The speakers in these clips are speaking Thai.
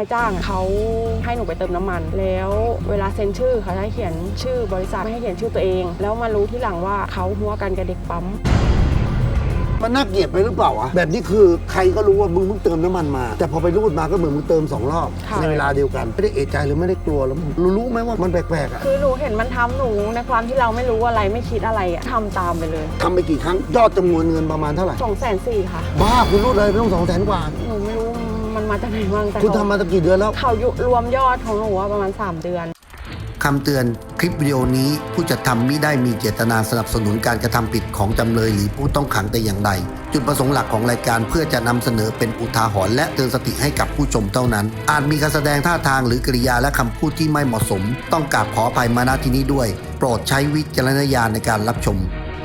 ายจ้างเขาให้หนูไปเติมน้ำมันแล้วเวลาเซ็นชื่อเขาให้เขียนชื่อบริษัทไม่ให้เขียนชื่อตัวเองแล้วมารู้ที่หลังว่าเขาหัวกันกับเด็กปั๊มมันน่าเกลียดไปหรือเปล่าวะแบบนี้คือใครก็รู้ว่ามึงเพิ่งเติมน้ำมันมาแต่พอไปรูดมาก็เหมือนมึงเติม2 รอบในเวลาเดียวกันไม่ได้เอะใจหรือไม่ได้กลัวแล้วรู้ไหมว่ามันแปลกๆอ่ะคือหนูเห็นมันทำหนูในความที่เราไม่รู้อะไรไม่คิดอะไรทำตามไปเลยทำไปกี่ครั้งยอดจำนวนเงินประมาณเท่าไหร่ 240,000ค่ะบ้าคุณรูดเลยไม่ต้อง200,000 กว่าหนูไม่รู้มันมาจากไหนบ้างแต่คุณทำมาตั้งกี่เดือนแล้วเขารวมยอดของหนูประมาณ3 เดือนคำเตือนคลิปวิดีโอนี้ผู้จัดทำมิได้มีเจตนาสนับสนุนการกระทำผิดของจำเลยหรือผู้ต้องขังแต่อย่างใดจุดประสงค์หลักของรายการเพื่อจะนำเสนอเป็นอุทาหรณ์และเตือนสติให้กับผู้ชมเท่านั้นอาจมีการแสดงท่าทางหรือกริยาและคำพูดที่ไม่เหมาะสมต้องกราบขออภัยมาณที่นี้ด้วยโปรดใช้วิจารณญาณในการรับชม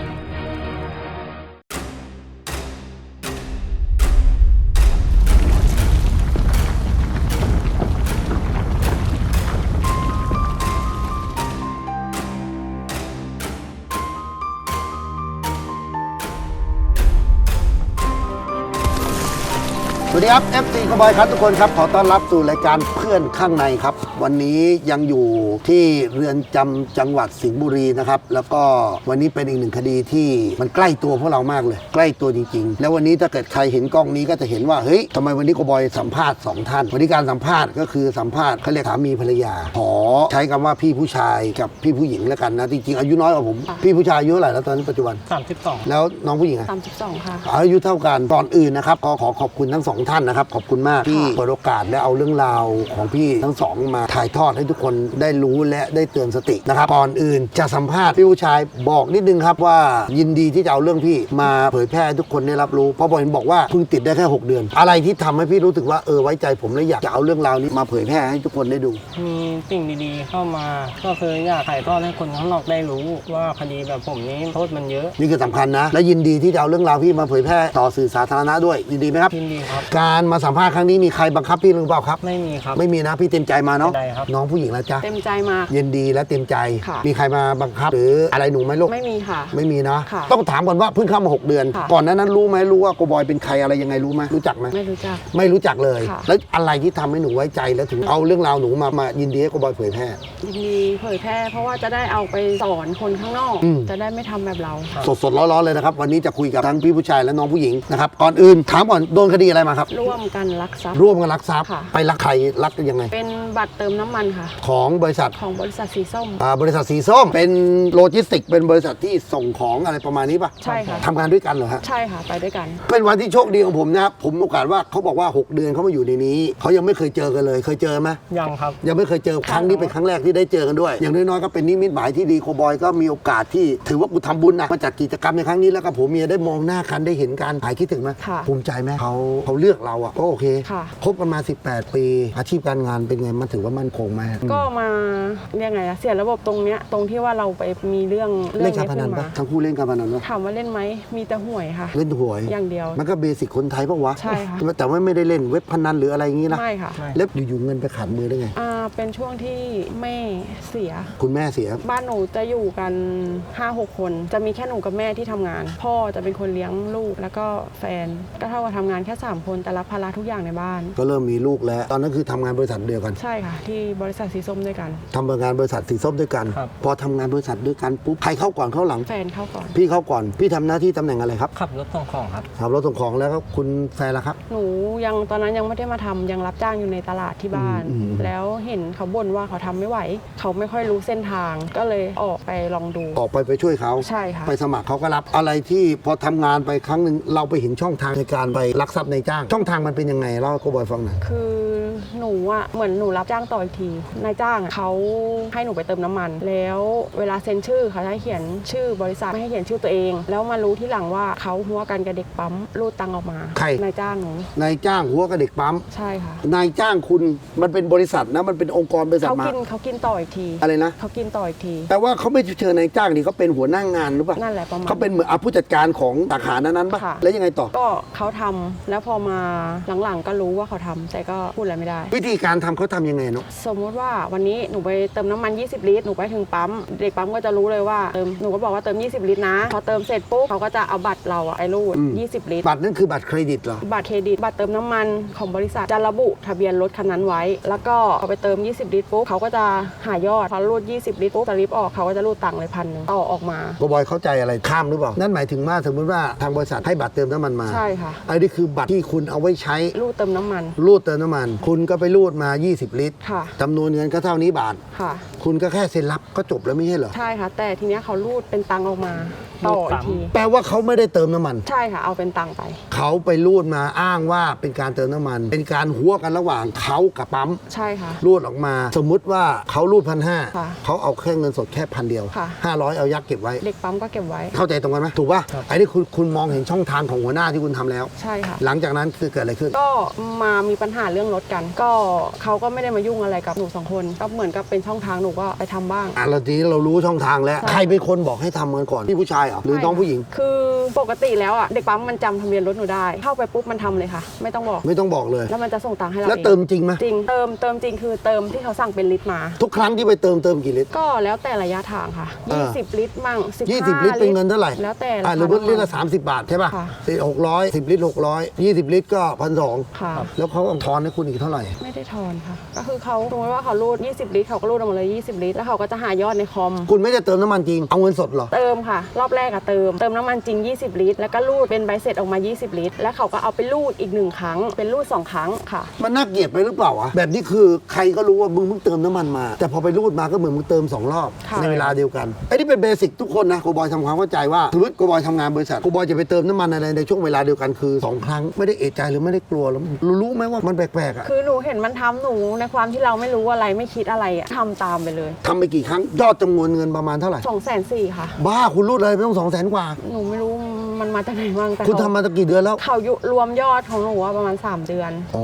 สวัสดีครับ FC คาร์บอยครับทุกคนครับขอต้อนรับสู่รายการเพื่อนข้างในครับวันนี้ยังอยู่ที่เรือนจำจังหวัดสิงห์บุรีนะครับแล้วก็วันนี้เป็นอีกหนึ่งคดีที่มันใกล้ตัวพวกเรามากเลยใกล้ตัวจริงๆแล้ววันนี้ถ้าเกิดใครเห็นกล้องนี้ก็จะเห็นว่าเฮ้ยทำไมวันนี้คาร์บอยสัมภาษณ์2 ท่านวันนี้การสัมภาษณ์ก็คือสัมภาษณ์เขาเรียกสามีภรรยาขอใช้คำว่าพี่ผู้ชายกับพี่ผู้หญิงแล้วกันนะจริงๆอายุน้อยกว่าผมพี่ผู้ชายอายุเท่าไหร่แล้วตอนนี้ปัจจุบัน 32 แล้วน้องผู้หญิงอะ 32ค่ะอายุเท่ากันก่อนอื่นนะครับขอขอบคุณทั้ง2 ท่านนะครับขอบคุณมากที่เปิดโอกาสและเอาเรื่องราวของพี่ทั้ง2มาถ่ายทอดให้ทุกคนได้รู้และได้เตือนสตินะครับก่อนอื่นจะสัมภาษณ์พี่ผู้ชายบอกนิดนึงครับว่ายินดีที่จะเอาเรื่องพี่มาเผยแพร่ให้ทุกคนได้รับรู้เพราะผมบอกว่าเพิ่งติดได้แค่6 เดือนอะไรที่ทำให้พี่รู้สึกว่าไว้ใจผมและอยากจะเอาเรื่องราวนี้มาเผยแพร่ให้ทุกคนได้ดูมีสิ่งดีๆเข้ามาก็คืออยากถ่ายทอดให้คนข้างนอกได้รู้ว่าคดีแบบผมนี้โทษมันเยอะนี่คือสำคัญนะและยินดีที่จะเอาเรื่องราวพี่มาเผยแพร่ต่อสื่อสาธารณะด้วยยินดีไหมครับยินดีครับการมาสัมภาษณ์ครั้งนี้มีใครบังคับพี่หรือเปล่าครับไม่มีครับไม่มีนะพี่เต็มใจมาเนาะน้องผู้หญิงแล้วจ้ะเต็มใจมายินดีและเต็มใจมีใครมาบังคับหรืออะไรหนูไหมลูกไม่มีค่ะไม่มีนะต้องถามก่อนว่าเพิ่งเข้ามา6 เดือนก่อนนั้นรู้ไหมรู้ว่าโกบอยเป็นใครอะไรยังไงรู้ไหมรู้จักไหมไม่รู้จักเลยแล้วอะไรที่ทำให้หนูไว้ใจแล้วถึงเอาเรื่องราวหนูมายินดีให้โกบอยเผยแพร่ยินดีเผยแพร่เพราะว่าจะได้เอาไปสอนคนข้างนอกจะได้ไม่ทำแบบเราสดร้อนๆเลยนะครับวันนี้จะคุยกับทั้งพี่ผู้ชายและน้องผู้หญิงนะครับก่อนอื่นถามก่อนโดนคดีอะไรมาครับร่วมกันลักทรัพย์ไปลักใครลักยังไงเป็นบัตรเติมน้ำมันค่ะของบริษัทสีส้มบริษัทสีส้มเป็นโลจิสติกเป็นบริษัทที่ส่งของอะไรประมาณนี้ป่ะใช่ค่ะทำงานด้วยกันเหรอฮะใช่ค่ะไปด้วยกันเป็นวันที่โชคดีของผมนะครับผมโอกาสว่าเขาบอกว่า6 เดือนเขามาอยู่ในนี้เขายังไม่เคยเจอกันเลยเคยเจอไหมยังครับยังไม่เคยเจอครั้งนี้เป็นครั้งแรกที่ได้เจอกันด้วยอย่างน้อยๆก็เป็นนิมิตหมายที่ดีโคบอยก็มีโอกาสที่ถือว่ากูทำบุญนะมาจัดกิจกรรมในครั้งนี้แล้วก็ผมเมียได้มองหน้ากันได้เห็นกันหายคิดถึงไหมภูมิใจไหมเขาเลือกเราอ่ะก็โอเคคบกันมา18 ปีอาชีพการงานเป็นไงมันถือว่ามั่นคงไหมก็มายังไงเสียระบบตรงเนี้ยตรงที่ว่าเราไปมีเรื่องเล่นการพนันปะทั้งคู่เล่นการพนันปะถามว่าเล่นไหมมีแต่หวยค่ะเล่นหวยอย่างเดียวมันก็เบสิกคนไทยปะวะใช่ค่ะแต่ว่าไม่ได้เล่นเว็บพนันหรืออะไรอย่างงี้นะไม่ค่ะแล้วอยู่ๆเงินไปขาดมือได้ไงเป็นช่วงที่แม่เสียคุณแม่เสียบ้านหนูจะอยู่กัน 5-6 คนจะมีแค่หนูกับแม่ที่ทำงานพ่อจะเป็นคนเลี้ยงลูกแล้วก็แฟนก็เท่ากับทำงานแค่3 คนแต่รับภาระทุกอย่างในบ้านก็เริ่มมีลูกแล้วตอนนั้นคือทำงานบริษัทเดียวกันใช่ค่ะที่บริษัทสีส้มด้วยกันทำงานบริษัทสีส้มด้วยกันพอทำงานบริษัทด้วยกันปุ๊บใครเข้าก่อนเข้าหลังแฟนเข้าก่อนพี่เข้าก่อนพี่ทำหน้าที่ตำแหน่งอะไรครับขับรถส่งของครับขับรถส่งของแล้วก็คุณแฟนล่ะครับหนูยังตอนนั้นยังไม่ได้มาทำยังรับจ้างอยู่ในตลาดที่บ้านแล้วเห็นเขาบ่นว่าเขาทำไม่ไหวเขาไม่ค่อยรู้เส้นทางก็เลยออกไปลองดูออกไปช่วยเขาใช่ค่ะไปสมัครเขาก็รับอะไรที่พอทำงานไปครั้งหนึ่งเราไปเห็นช่องทางในการไปลักทรัพย์ในจ้างช่องทางมันเป็นยังไงเล่าให้โกบอยฟังหน่อยคือหนูเหมือนหนูรับจ้างต่ออีกทีนายจ้างเขาให้หนูไปเติมน้ำมันแล้วเวลาเซ็นชื่อเขาให้เขียนชื่อบริษัทไม่ให้เขียนชื่อตัวเองแล้วมารู้ที่หลังว่าเขาหัวกันกับเด็กปั๊มรูดตังออกมาใครนายจ้างหนูนายจ้างหัวกับเด็กปั๊มใช่ค่ะนายจ้างคุณมันเป็นบริษัทนะมันเป็นองค์กรบริษัทมาเขากินต่ออีกทีอะไรนะเขากินต่ออีกทีแต่ว่าเขาไม่เชิญนายจ้างนี่เขาเป็นหัวหน้างานหรือเปล่านั่นแหละประมาณเขาเป็นเหมือนผู้จัดการของสาขานั้นป่ะแล้วยังไงต่อก็เขาทำแล้วพอมาหลังๆก็รู้ว่าเขาทำแต่ก็พูดอะไรไม่ไม่ได้วิธีการทำเขาทำยังไงเนาะสมมุติว่าวันนี้หนูไปเติมน้ำมัน20 ลิตรหนูไปถึงปั๊มเด็กปั๊มก็จะรู้เลยว่าหนูก็บอกว่าเติม20 ลิตรนะพอเติมเสร็จปุ๊บเขาก็จะเอาบัตรเราอะไอ้รูด20 ลิตรบัตรนั่นคือบัตรเครดิตเหรอบัตรเครดิตบัตรเติมน้ำมันของบริษัทจะระบุทะเบียนรถคันนั้นไว้แล้วก็เอาไปเติม20 ลิตรปุ๊บเขาก็จะหายอดพอรูด20 ลิตรปุ๊บสลิปออกเขาก็จะรูดตังค์เลย1,000ต่อออกมาโกบอยเข้าใจอะไรข้ามหรือเปล่านั่นหมายถึงว่าสมมติว่าทางบริษัทให้บัตรเติมน้ำมันมาใช่ค่ะอันนี้คือบัตรที่คุณเอาไว้ใช้รูดเติมน้ำมันรูดเติมน้ำมัน คุณก็ไปรูดมา20 ลิตรค่ะจำนวนเงินก็เท่านี้บาทค่ะคุณก็แค่เซ็นรับก็จบแล้วไม่ใช่เหรอใช่ค่ะ แต่ทีเนี้ยเขารูดเป็นตังค์ออกมาต่ออีกทีแปลว่าเขาไม่ได้เติมน้ำมันใช่ค่ะเอาเป็นตังค์ไปเขาไปรูดมาอ้างว่าเป็นการเติมน้ำมัน เป็นการหัวกันระหว่างเขากับปั๊มใช่ค่ะรูดออกมา สมมุติว่าเขารูด1,500 ค่ะเขาเอาแค่เงินสดแค่1,000 เดียวค่ะ 500เอายักเก็บไว้เด็กปั๊มก็เก็บไว้เข้าใจตรงกันไหมถูกป่ะไอ้นี่คุณมองเห็นช่องทางของหัวหน้าที่คุณทำแล้วใช่ค่ะหลังจากนั้นคือเกิดอะไรขึ้นก็มามีปัญหาเรื่องรถกัน ก็เขาก็ไม่ได้มายุ่งอะไรกับหนู2 คนก็เหมือนกับเป็นช่องทางหนูก็ไปทำบ้างเราทีนี้เรารู้ช่องทางแล้วใช่ใครเป็นคนบอกให้ทำกันก่อนพี่ผู้ชายเหรอหรือน้องผู้หญิงคือปกติแล้วอ่ะเด็กปั๊มมันจำทะเบียนรถหนูได้เข้าไปปุ๊บมันทำเลยค่ะ ไม่ต้องบอกไม่ต้องบอกเลยแล้วมันจะส่งตังค์ให้เราแล้วเองเติมจริงไหมจริงเติมจริงคือเติมที่เขาสั่งเป็นลิตรมาทุกครั้งที่ไปเติมกี่ลิตรก็แล้วแต่ระยะทางค่ะ 20 ลิตรมั่ง15 20 ลิตรเป็นเงินเท่าไหร่แล้วแต่หรือว่าลิตรละ30 บาทใช่ป่ะค่ะ 600 10 ลิตร 600 20 ลิตรก็1,200 ค่ะแล้วเขาเอาทอนให้คุณอีกเท่าไหร่ไม่ได้ทอนค่ะ ก็คือเขาสมมติว่าเขารูด20 ลิตรเขาก็รูดออกมาเลย20 ลิตรแล้วเขาก็จะหายอดในคอมคุณไม่ได้เติมน้ำมันจริงเอาเงินสดเหรอเติมค่ะ รอบแรกอะเติมน้ำมันจริง20 ลิตรแล้วก็รูดเป็นใบเสร็จออกมา20 ลิตรแล้วเขาก็เอาไปรูดอีก1 ครั้งเป็นรูด2 ครั้งค่ะมันน่าเกลียดไปหรือเปล่าวะแบบนี้คือใครก็รู้ว่ามึงเพิ่งเติมน้ำมันมา แต่พอไปรูดมาก็เหมือนมึงเติม2 รอบค่ะในเวลาเดียวกันไอ้นี่เป็นเบสิกทุกคนนะโกบอยทำความเข้าใจว่าสมมติโกบอยทำงานบริษัทโกบอยจะไปเติมน้ำมันอะไรในช่วงเวลาเดียวกันคือ2 ครั้งไม่ได้เอะใจหรือไม่ได้กลัวแล้วรู้ไหมว่ามันแปลกๆอ่ะคือหนูเห็นมันทำหนูในความที่เราไม่รู้อะไรไม่คิดอะไรอะทำตามไปเลยทำไปกี่ครั้งยอดจำนวนเงินประมาณเท่าไหร่ 240,000ค่ะบ้าคุณรูดอะไรไม่ต้อง200,000 กว่าหนูไม่รู้มันมาจากไหนบ้างแต่คุณทำมาตั้งกี่เดือนแล้วเขารวมยอดของหนูว่าประมาณ3 เดือนอ๋อ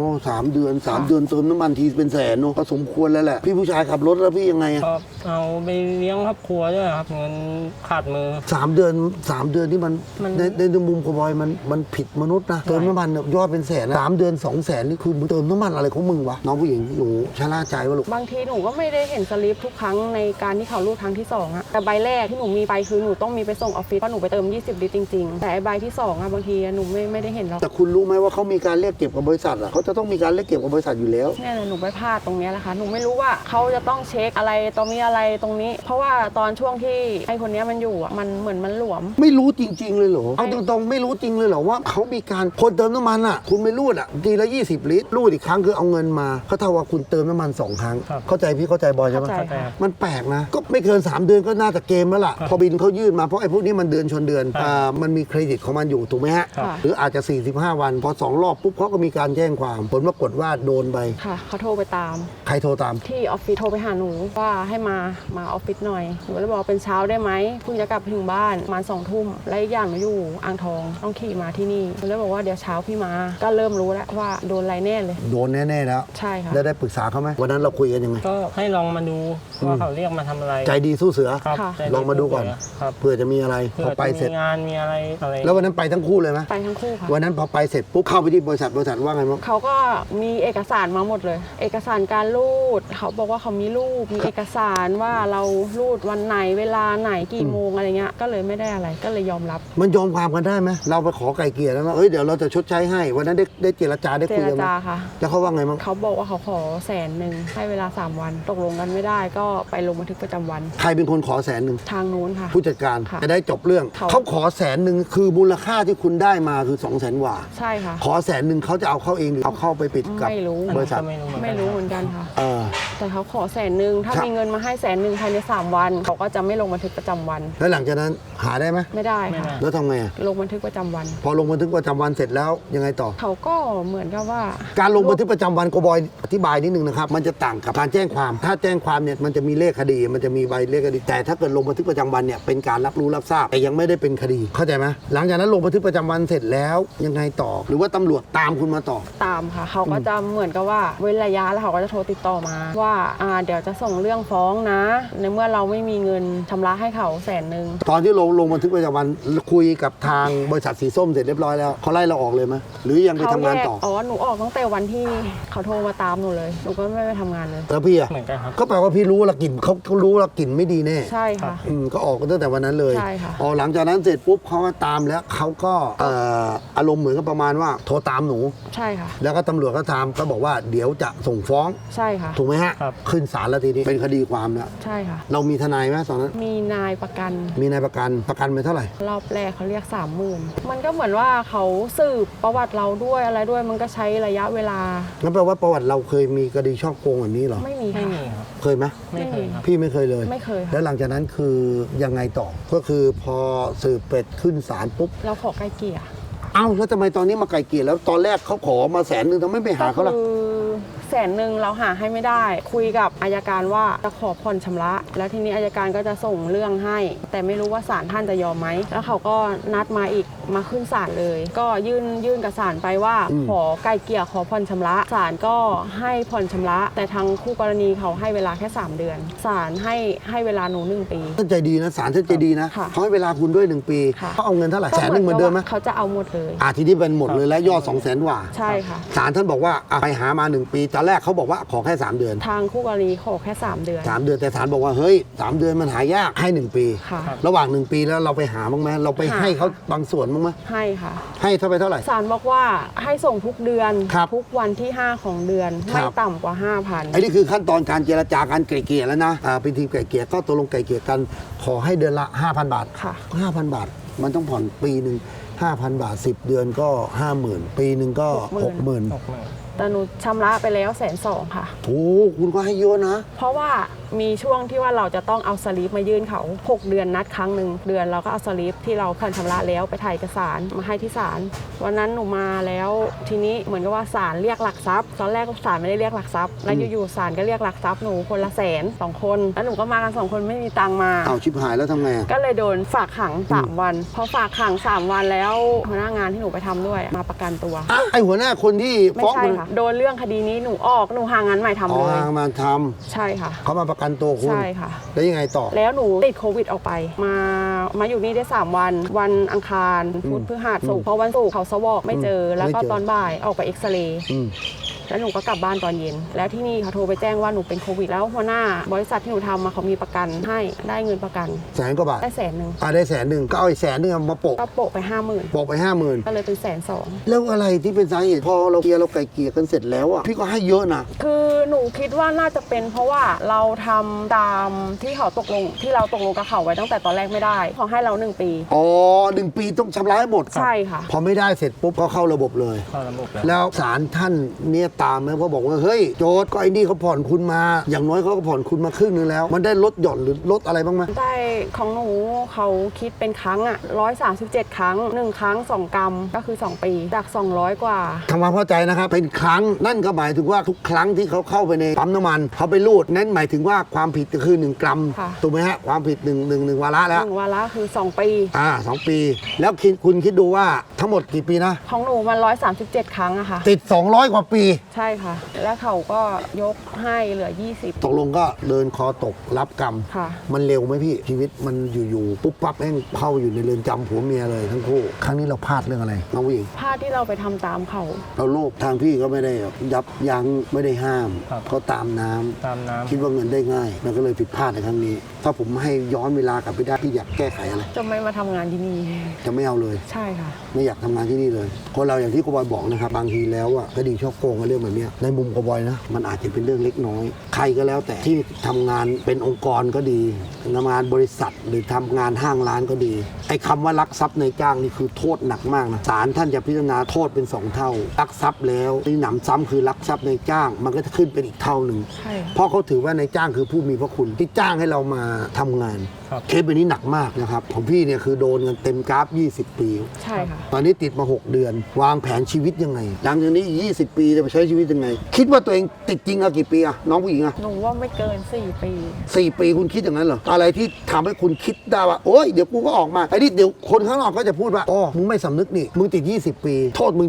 3 เดือน3 เดือนเติมน้ำมันทีเป็นแสนเนอะก็สมควรแล้วแหละพี่ผู้ชายขับรถแล้วพี่ยังไงอะก็เอาไปเลี้ยงครอบครัวด้วยครับเงินขาดมือ 3 เดือนนี่มันมันในมุมโกบอยมันผิดมนุษย์นะเติมน้ำมันเนี่ยยอดเป็นแสนนะ3 เดือน200,000นี่คือมึงเติมน้ำมันอะไรของมึงวะน้องผู้หญิงหนูชะล่าใจวะลูกบางทีหนูก็ไม่ได้เห็นสลิปทุกครั้งในการที่เขารูดครั้งที่2อะแต่ใบแรกที่หนูมีไปคือหนูต้องมีไปส่งออฟฟิศเพราะหนูไปเติม20 ลิตรจริงๆแต่ไอ้ใบที่2อะบางทีหนูไม่ได้เห็นหรอกแต่คุณรู้ไหมว่าเขามีการเรียกเก็บกับบริษัทอ่ะเขาจะต้องมีการเรียกเก็บกับบริษัทอยู่แล้วเนี่ยแหละหนูไปพลาดตรงเนี้ยแหละค่ะหนูไม่รู้ว่าเขาจะต้องเช็คอะไรตรงนี้อะไรตรงนี้ เพราะว่าตอนช่วงที่ไอ้คนเนี้ยมันอยู่อะมันเหมือนมันหลวมไม่รู้จริง ๆ เลยเหรอเอาตรงๆไม่รู้จริงเลยเหรอว่าเขามีการคนเติมน้ำมันอ่ะคุณไม่รูดอ่ะทีละ20 ลิตรรูดอีกครั้งคือเอาเงินมาเขาเท่ากับคุณเติมน้ำมัน2 ครั้งครับเข้าใจพี่เข้าใจบอยใช่ไหมเข้าใจครับมันแปลกนะ ก็ไม่เกิน 3 เดือนก็น่าจะเกมแล้วล่ะ พอบินเขายื่นมาเพราะไอ้พวกนี้มันเดือนชนเดือนครับมันมีเครดิตของมันอยู่ถูกไหมฮะค่ะหรืออาจจะ 45 วัน พอ 2 รอบปุ๊บเขาก็มีการแจ้งความ ผลปรากฏว่าโดนไปค่ะเขาโทรไปตามใครโทรตามที่ออฟฟิศโทรไปหาหนูว่าให้มาออฟฟิศหน่อยหนูเลยบอกเป็นเช้าได้ไหมเพิ่งจะกลับถึงบ้านประมาณ2 ทุ่มและอีกอย่างหนูอยู่อ่างทองต้องขี่มาที่นี่หนูเลยบอกว่าเดี๋ยวเช้าพี่มาก็เริ่มรู้แล้วว่าโดนอะไรแน่เลยโดนแน่ ๆ แล้วใช่ค่ะได้ปรึกษาเขาไหมวันนั้นเราคุยกันยังไงก็ให้ลองมาดูว่าเขาเรียกมาทำอะไรใจดีสู้เสือครับค่ะใจลองมาดูก่อนครับเพื่อจะมีอะไรเพื่พออไปจะเสร็จมีงานมีอะไรอะไรแล้ววันนั้นไปทั้งคู่เลยไหมไปทั้งคู่ค่ะวันนั้นพอไปเสร็จปุ๊บเข้าไปที่บริษัทว่าไงบ้างเขาก็มีเอกสารมาหมดเลย เอกสารการรูดเขาบอกว่าเขามีรูปมีเอกสารว่าเรารูดวันไหนเวลาไหนกี่โมงอะไรเงี้ยก็เลยไม่ได้อะไรก็เลยยอมรับมันยอมความกันได้ไหมเราไปขอไก่เกลี่ยแล้วว่าเอ้ยเดี๋ยวเราจะชดใช้ให้วันนั้นได้เจรจาได้เจคุยรกันไหมจาค่ะแล้วเขาว่าไงบ้างเขาบอกว่าเขาขอ100,000ให้เวลา3 วันตกลงกันไม่ได้ก็ไปลงบันทึกประจำวันใครเป็นคนขอ100,000 ทางนู้นค่ะผู้จัดการค่ะจะได้จบเรื่องเขาเขาขอ100,000คือมูลค่าที่คุณได้มาคือ200,000 กว่าใช่ค่ะขอ100,000เขาจะเอาเข้าเองหรือเอาเข้าไปปิดกับไม่รู้บริษัทก็ไม่รู้เหมือนกันไม่รู้เหมือนกันค่ะเออแต่เขาขอ100,000ถ้าครับมีเงินมาให้100,000ภายใน3 วันเขาก็จะไม่ลงบันทึกประจำวันแล้วหลังจากนั้นหาได้ไหมไม่ได้ไม่ค่ะได้แล้วทำไงอะลงบันทึกประจำวันพอลงบันทึกประจำวันเสร็จแล้วยังไงต่อเขาก็เหมือนกับว่าการลงบันทึกประจำวันโกบอยอธิบายนิดนึงนะครับมันจะต่างกับการแจ้งความ ถ้าแจ้งความเนี่ยมันจะมีเลขคดีมันจะมีใบเลขคดีแต่ถ้าเกิดลงบันทึกประจำวันเนี่ยเป็นการรับรู้รับทราบแต่ยังไม่ได้เป็นคดีเข้าเข้าใจไหมหลังจากนั้นลงบันทึกประจำวันเสร็จแล้วยังไงต่อ หรือว่าตำรวจตามคุณมาต่อตามค่ะเขาก็จะเหมือนกับว่าเว้นระยะแล้วเขาก็จะโทรติดต่อมาว่าเดี๋ยวจะส่งเรื่องฟ้องนะ ในเมื่อเราไม่มีเงินชำระให้เขา100,000 ตอนที่ลงบันทึกประจำวันคุยกับทางบริษัทสีส้มเสร็จเรียบร้อยแล้วเขาไล่เราออกเลยไหมหรือยังไปทำงานต่อหนูออกตั้งแต่วันที่เขาโทรมาตามหนูเลยหนูก็ไม่ไปทำงานเลยแล้วพี่อะเหมือนกันครับก็แปลว่าพี่รู้ละกลิ่นเขารู้ละกลิ่นไม่ดีแน่ใช่ค่ะก็ออกกันตั้งแต่วันนั้นเลยใช่ค่ะหลังจากนั้นเสร็จปุ๊บเขาก็ตามแล้วเขาก็อารมณ์เหมือนกับประมาณว่าโทรตามหนูใช่ค่ะแล้วก็ตำรวจก็ตามก็บอกว่าเดี๋ยวจะส่งฟ้องใช่ค่ะถูกไหมฮะครับขึ้นศาลแล้วทีนี้เป็นคดีความแล้วใช่ค่ะเรามีทนายไหมตอนนั้นมีนายประกันมีนายประกันไปเท่าไหร่รอบแรกเขาเรียก 30,000มันก็เหมือนว่าเขาสืบประวัติเราด้วยอะไรด้วยมันก็ใช้ระยะเวลางั้นแปลว่าประวัติเราเคยมีคดีช่อโกงแบบนี้เหรอไม่มีไม่ค่ะมีครับเคยไหมไม่เคยครับพี่ไม่เคยเลยไม่เคยแล้ค่ะวหลังจากนั้นคือยังไงต่อ ก็คือพอสืบเป็ดขึ้นศาลปุ๊บเราขอไกลเกลี่ยเอ้าแล้วทำไมตอนนี้มาไกลเกลี่ยแล้วตอนแรกเขาขอมา100,000ทำไมไม่หาเขาล่ะก็คือ100,000เราหาให้ไม่ได้ คุยกับอัยการว่าจะขอผ่อนชำระ แล้วทีนี้อัยการก็จะส่งเรื่องให้ แต่ไม่รู้ว่าศาลท่านจะยอมไหมแล้วเขาก็นัดมาอีกมาขึ้นศาลเลย ก็ยื่นกับศาลไปว่า ขอไกลเกลี่ยขอผ่อนชำระศาลก็ให้ผ่อนชำระ แต่ทางคู่กรณีเขาให้เวลาแค่3 เดือนศาลให้เวลาหนู1 ปีท่านใจดีนะศาลท่านใจดีนะค่ะเขาให้เวลาคุณด้วย1 ปีค่ะเขาเอาเงินเท่าไหร่100,000เหมือนเดิมไหมเขาจะเอาหมดเลยทีนี้เป็นหมดเลยแล้วยอด200,000กว่าใช่ค่ะศาลท่านบอกว่าไปหามา1 ปีตอนแรกเขาบอกว่าขอแค่3 เดือนทางคู่กรณีขอแค่3 เดือน 3 เดือนแต่ศาลบอกว่าเฮ้ย3 เดือนมันหายากให้1 ปีค่ะระหว่าง1 ปีแล้วเราไปหาบ้างไหมเราไปให้เขาบางส่วนบ้างไหมให้ค่ะให้เท่าไหร่ศาลบอกว่าให้ส่งทุกเดือนครับทุกวันที่ 5 ของเดือนครัไม่บต่ำกว่า 5,000 ไอ้นี่คือขั้นตอนการเจรจาการไกล่เกลี่ยแล้วนะเป็นทีมไกล่เกลี่ยก็ตกลงไกล่เกลี่ยกันขอให้เดือนละ 5,000 บาทค่ะ 5,000 บาท มันต้องผ่อนปีหนึ่ง 5,000 บาท 10 เดือนก็ 50,000 ปีหนึ่งก็ 60,000 60,000 แต่หนูชำระไปแล้ว120,000ค่ะโอ้คุณก็ให้เยอะนะเพราะว่ามีช่วงที่ว่าเราจะต้องเอาสลิปมายื่นเขา 6 เดือนนัดครั้งหนึ่งเดือนเราก็เอาสลิปที่เราผ่อนชำระแล้วไปถ่ายเอกสารมาให้ที่ศาลวันนั้นหนูมาแล้วทีนี้เหมือนกับว่าศาลเรียกหลักทรัพย์ตอนแรกศาลไม่ได้เรียกหลักทรัพย์แล้วอยู่ๆศาลก็เรียกหลักทรัพย์หนูคนละ100,000 2 คนแล้วหนูก็มากัน2 คนไม่มีตังค์มาเอาชิบหายแล้วทำไงอะก็เลยโดนฝากขัง 3 วันพอฝากขัง 3 วันแล้วหัวหน้างานที่หนูไปทำด้วยมาประกันตัวไอหัวหน้าคนที่ไม่ฟ้องใช่มันค่ะโดนเรื่องคดีนี้หนูออกหนูหางานใหม่ทำเลยมาทใช่ค่ะำเขามาประกันตัวคุณใช่ค่ะแล้วยังไงต่อแล้วหนูติดโควิดออกไป มาอยู่นี่ได้ 3 วัน วันอังคารพุธพฤหัสศุกร์พอวันศุกร์เขาสวอกไม่เจอ แล้วก็ไม่เจอตอนบ่ายออกไปเอ็กซเรย์อืมแล้วหนูก็กลับบ้านตอนเย็น แล้วที่นี่เขาโทรไปแจ้งว่าหนูเป็นโควิด แล้วหัวหน้าบริษัทที่หนูทำมาเขามีประกันให้ได้เงินประกัน 100,000 กว่าบาทได้100,000 ได้100,000ก็เอาอีก100,000มาโปะก็โปะไป 50,000 โปะไป 50,000 ก็เลยเป็น120,000 แล้วอะไรที่เป็นสาเหตุพอเราเคลียร์เราไกล่เกลี่ยกันเสร็จแล้วอ่ะพี่ก็ให้เยอะนะคือหนูคิดว่าน่าจะเป็นเพราะว่าเราทำตามที่เขาตกลงที่เราตกลงกับเขาไว้ตั้งแต่ตอนแรกไม่ได้เขาให้เรา1 ปี 1 ปีต้องชำระให้หมดใช่ค่ะพอไม่ได้เสร็จปุ๊บก็เข้าระบบเลยเข้าระบบแล้วแล้วศาลท่านเนี่ยตามไหมเพราะบอกว่าเฮ้ยโจทย์ก็ไอ้นี่เขาผ่อนคุณมา อย่างน้อยเขาก็ผ่อนคุณมาครึ่งนึงแล้ว มันได้ลดหย่อนหรือลดอะไรบ้างไหมได้ของหนูเขาคิดเป็นครั้งอ่ะ137 ครั้ง 1 ครั้ง 2 กรัมก็คือ 2 ปีจาก 200 กว่าทำความเข้าใจนะครับเป็นครั้งนั่นก็หมายถึงว่าทุกครั้งที่เขาเข้าไปในปั๊มน้ำมันเขาไปรูดนั่นหมายถึงว่าความผิดก็คือ1 กรัมค่ะถูกไหมฮะความผิดหนึ่งวาระแล้ว 1 วาระคือ 2 ปี 2 ปี แล้วคุณคิดดูว่าทั้งหมดกี่ปีนะของหนูมัน137 ครั้งอะค่ะติด 200 กว่าปีใช่ค่ะ แล้วเขาก็ยกให้เหลือ 20 ตกลงก็เดินคอตกรับกรรมค่ะมันเร็วไหมพี่ชีวิตมันอยู่ๆปุ๊บปั๊บแม่งเข้าอยู่ในเรือนจำผัวเมียเลยทั้งคู่ ครั้งนี้เราพลาดเรื่องอะไรน้องผู้หญิงภาพที่เราไปทำตามเขาเราโลภทางพี่ก็ไม่ได้ยับยั้งไม่ได้ห้ามครับก็ตามน้ำตามน้ำคิดว่าเงินได้ง่ายมันก็เลยผิดพลาดในครั้งนี้ ถ้าผมให้ย้อนเวลากลับไปได้พี่อยากแก้ไขอะไรจะไม่มาทำงานที่นี่จะไม่เอาเลยใช่ค่ะไม่อยากทำงานที่นี่เลยคนเราอย่างที่กบอยบอกนะครับบางทีแล้วอ่ะคดีช่อโกงกับเรื่องแบบเนี้ยในมุมกบอยนะมันอาจจะเป็นเรื่องเล็กน้อย ใครก็แล้วแต่ที่ทำงานเป็นองค์กรก็ดีทำงานบริษัทหรือทำงานห้างร้านก็ดีไอ้คำว่าลักทรัพย์ในจ้างนี่คือโทษหนักมากนะศาลท่านจะพิจารณาโทษเป็น2 เท่าลักทรัพย์แล้วที่หนำซ้ำคือลักทรัพย์ในจ้าง มันก็จะขึ้นเป็นอีกเท่าหนึ่งใช่ค่ะเพราะเขาถือว่าในจ้างคือผู้มีพระคุณที่จ้างให้เรามาทำงานครับเคสแบบนี้หนักมากนะครับของพี่เนี่ยคือโดนกันเต็มกราฟ 20 ปีใช่ค่ะตอนนี้ติดมา 6 เดือน วางแผนชีวิตยังไงหลังจากนี้อีก20 ปีจะไปใช้ชีวิตยังไง คิดว่าตัวเองติดจริงอะกี่ปีอะน้องผู้หญิงอะหนูว่าไม่เกิน 4 ปี 4 ปีคุณคิดอย่างนั้นเหรออะไรที่ทำให้คุณคิดได้ว่าโอ๊ยเดี๋ยวกูก็ออกมาไอ้นี่เดี๋ยวคนข้างนอกก็จะพูดว่าอ๋อมึงไม่สำนึกนี่มึงติด 20 ปีโทษมึง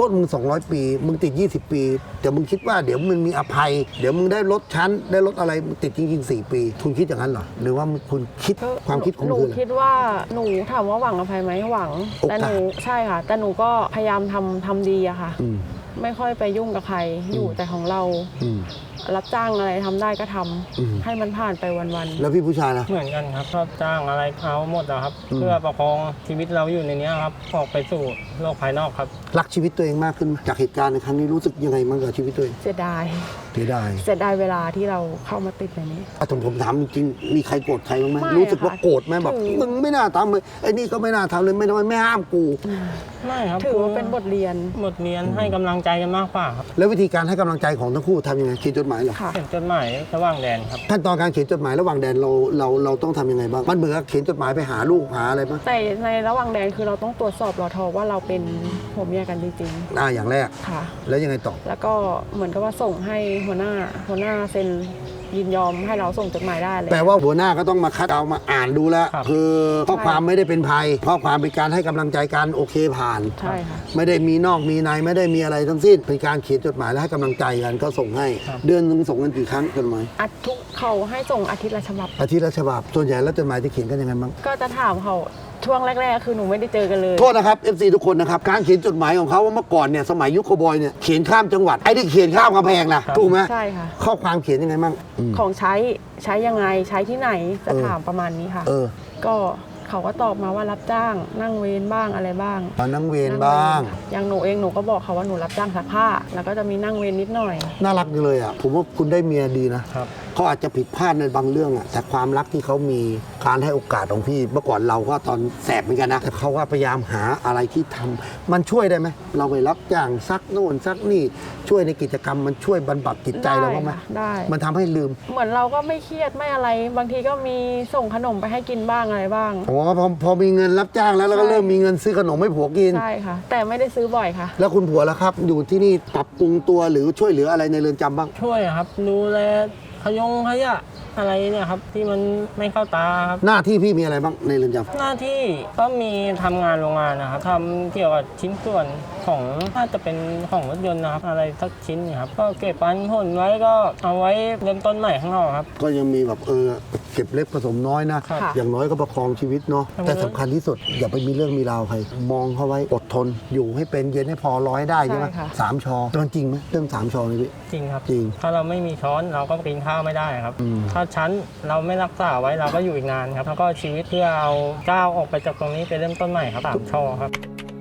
200 ปีมึงติด 20 ปีแต่มึงคิดว่าเดี๋ยวมึงมีอภัย เดี๋ยวมึงได้ลดชั้นได้ลดอะไรมึงติดจริงๆ4 ปีคุณคิดอย่างนั้นเหรอหรือว่าคุณคิดความคิดของหนูคุณคิดว่าหนูถามว่าหวังอภัยไหมหวังโอกาสแต่หนูใช่ค่ะ แต่หนูก็พยายามทำดีอะค่ะอืมไม่ค่อยไปยุ่งกับใครอยู่แต่ของเราอืมรับจ้างอะไรทำได้ก็ทำอืมให้มันผ่านไปวันแล้วพี่ผู้ชายล่ะเหมือนกันครับชอบจ้างอะไรเอาหมดนะครับอืมเพื่อประคองชีวิตเราอยู่ในนี้ครับออกไปสู่โลกภายนอกครับรักชีวิตตัวเองมากขึ้นไหมจากเหตุการณ์ในครั้งนี้รู้สึกยังไงบ้างกับชีวิตตัวเองๆเสียดายเสียดายเสียดายเวลาที่เราเข้ามาติดในนี้ผมถามจริงๆมีใครโกรธใครบ้างไหมไม่รู้สึกว่าค่ะโกรธไหมแบบถือมึงไม่น่าทำเลยไอ้นี่ก็ไม่น่าทำเลยไม่ทำไมไม่ห้ามกูไม่ครับถือว่าเป็นบทเรียนบทเรียนให้กำลังใจกันมากกว่าครับแล้ววิธีการให้กำลังใจของทั้งคู่ทำยังไงเขียนจดหมายเหรอค่ะเขียนจดหมายระหว่างแดนครับขั้นตอนการเขียนจดหมายระหว่างแดนเราต้องทำยังไงบ้างมันเหมือนกับเขียนจดหมายไปหาลูกหาอะไรบ้างแต่ในระหว่างแดนคือเราต้องตรวจสอบรอทอว่าเราเป็นผัวเมียกันจริงอย่างแรกๆค่ะแล้วยังไงต่อแล้วก็เหมือนกับว่าส่งให้หัวหน้าเซ็นยินยอมให้เราส่งจดหมายได้เลยแปลว่าหัวหน้าก็ต้องมาคัดเอามาอ่านดูแล้วครับคือข้อความไม่ได้เป็นภัยข้อความเป็นการให้กำลังใจกันโอเคผ่านใช่ค่ะไม่ได้มีนอกมีในไม่ได้มีอะไรทั้งสิ้นเป็นการเขียนจดหมายและให้กำลังใจกันก็ส่งให้ครับเดือนนึงส่งกันกี่ครั้งจดหมายเขาให้ส่งอาทิตย์ละฉบับอาทิตย์ละฉบับส่วนใหญ่แล้วจดหมายจะเขียนกันยังไงบ้างก็จะถามเขาช่วงแรกๆ คือหนูไม่ได้เจอกันเลยโทษนะครับ FC ทุกคนนะครับการเขียนจดหมายของเขาว่าเมื่อก่อนเนี่ยสมัยยุคโคบอยเนี่ยเขียนข้ามจังหวัดไอ้ที่เขียนข้ามกำแพงนะครับ ถูกไหมใช่ค่ะข้อความเขียนยังไงบ้างอืมของใช้ยังไงใช้ที่ไหนจะเออถามประมาณนี้ค่ะเออก็เขาก็ตอบมาว่ารับจ้างนั่งเวรบ้างอะไรบ้างมานั่งเวรบ้างอย่างหนูเองหนูก็บอกเขาว่าหนูรับจ้างซักผ้า แล้วก็จะมีนั่งเวรนิดหน่อยน่ารักจังเลยอ่ะผมว่าคุณได้เมียดีนะครับเขาอาจจะผิดพลาดในบางเรื่องอะแต่ความรักที่เขามีการให้โอกาสของพี่เมื่อก่อนเราก็ตอนแสบเหมือนกันนะแต่เขาก็พยายามหาอะไรที่ทำมันช่วยได้ไหมเราไปรับจ้างซักโน่นซักนี่ช่วยในกิจกรรมมันช่วยบรรบัดจิตใจเราบ้างไหมค่ะได้มันทำให้ลืมเหมือนเราก็ไม่เครียดไม่อะไร บางทีก็มีส่งขนมไปให้กินบ้างอะไรบ้างอ๋อพอมีเงินรับจ้างแล้วเราก็ใช่เริ่มมีเงินซื้อขนมให้ผัวกินใช่ค่ะ แต่ไม่ได้ซื้อบ่อยค่ะแล้วคุณผัวล่ะครับ อยู่ที่นี่ปรับปรุงตัวหรือช่วยเหลืออะไรในเรือนจำบ้างช่วยครับดูแลขยะอะไรเนี่ยครับที่มันไม่เข้าตาครับหน้าที่พี่มีอะไรบ้างในเรือนจำหน้าที่ก็มีทำงานโรงงานนะครับทำเกี่ยวกับชิ้นส่วนของน่าจะเป็นของรถยนต์นะครับอะไรสักชิ้นนะครับก็เก็บปันผลไว้ก็เอาไว้เริ่มต้นใหม่ข้างนอกครับก็ยังมีแบบเก็บเล็กผสมน้อยนะครับอย่างน้อยก็ประคองชีวิตเนาะครับแต่สำคัญที่สุดอย่าไปมีเรื่องมีราวใคร มองเขาไว้อดทน อยู่ให้เป็นเย็นให้พอร้อยได้ใช่ไหมใช่ค่ะสามชอมันจริงไหมเรื่องสามชอนี่พี่จริงครับจริงถ้าเราไม่มีช้อนเราก็กินข้าวไม่ได้ครับอืมถ้าชั้นเราไม่รักษาไว้เราก็อยู่อีกนานครับแล้วก็ชีวิตเพื่อเอาก้าวออกไปจากตรงนี้ไปเริ่มต้นใหม่ครับ3 ช่อครับ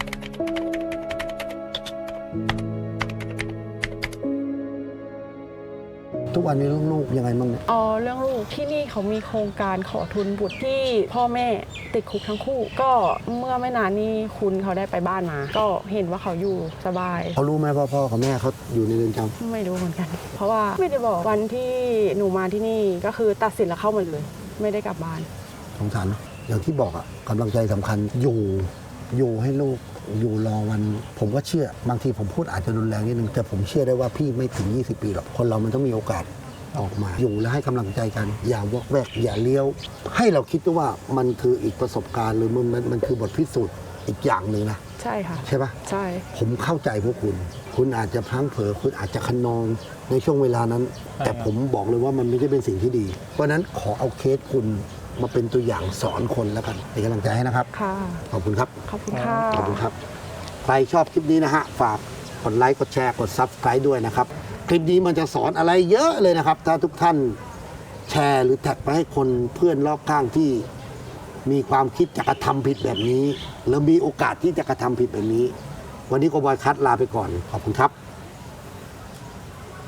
ทุกวันนี้ลูกๆยังไงบ้างเนี่ยอ๋อเรื่องลูกที่นี่เขามีโครงการขอทุนบุตรที่พ่อแม่ติดคุกทั้งคู่ ก็เมื่อไม่นานนี้คุณเขาได้ไปบ้านมา ก็เห็นว่าเขาอยู่สบายเขารู้ไหมว่าพ่อกับแม่เขาอยู่ในเรือนจำไม่รู้เหมือนกัน เพราะว่าไม่ได้บอกวันที่หนูมาที่นี่ก็คือตัดสินแล้วเข้ามาเลย ไม่ได้กลับบ้านสงสารเนอะอย่างที่บอกอะกำลังใจสำคัญอยู่ให้ลูกอยู่รอวัน ผมก็เชื่อบางทีผมพูดอาจจะรุนแรงนิดนึงแต่ผมเชื่อได้ว่าพี่ไม่ถึง 20 ปีหรอกคนเรามันต้องมีโอกาสออกมา อยู่และให้กำลังใจกัน อย่าวอกแวกอย่าเลี้ยว ให้เราคิดว่ามันคืออีกประสบการณ์หรือมันคือบทพิสูจน์อีกอย่างหนึ่งนะใช่ค่ะใช่ปะใช่ผมเข้าใจพวกคุณ คุณอาจจะพลั้งเผลอคุณอาจจะคะนองในช่วงเวลานั้น แต่ผมบอกเลยว่ามันไม่ใช่เป็นสิ่งที่ดี เพราะฉะนั้นขอเอาเคสคุณมาเป็นตัวอย่างสอนคนแล้วกันเป็นกำลังใจให้นะครับค่ะขอบคุณครับขอบคุณค่ะขอบคุณครับ ใครชอบคลิปนี้นะฮะ ฝากกดไลค์ กดแชร์ กด Subscribe ด้วยนะครับ คลิปนี้มันจะสอนอะไรเยอะเลยนะครับ ถ้าทุกท่านแชร์หรือแท็กไปให้คนเพื่อนรอบข้างที่มีความคิดจะกระทำผิดแบบนี้ หรือมีโอกาสที่จะกระทำผิดแบบนี้ วันนี้โกบอยคัทลาไปก่อน ขอบคุณครับ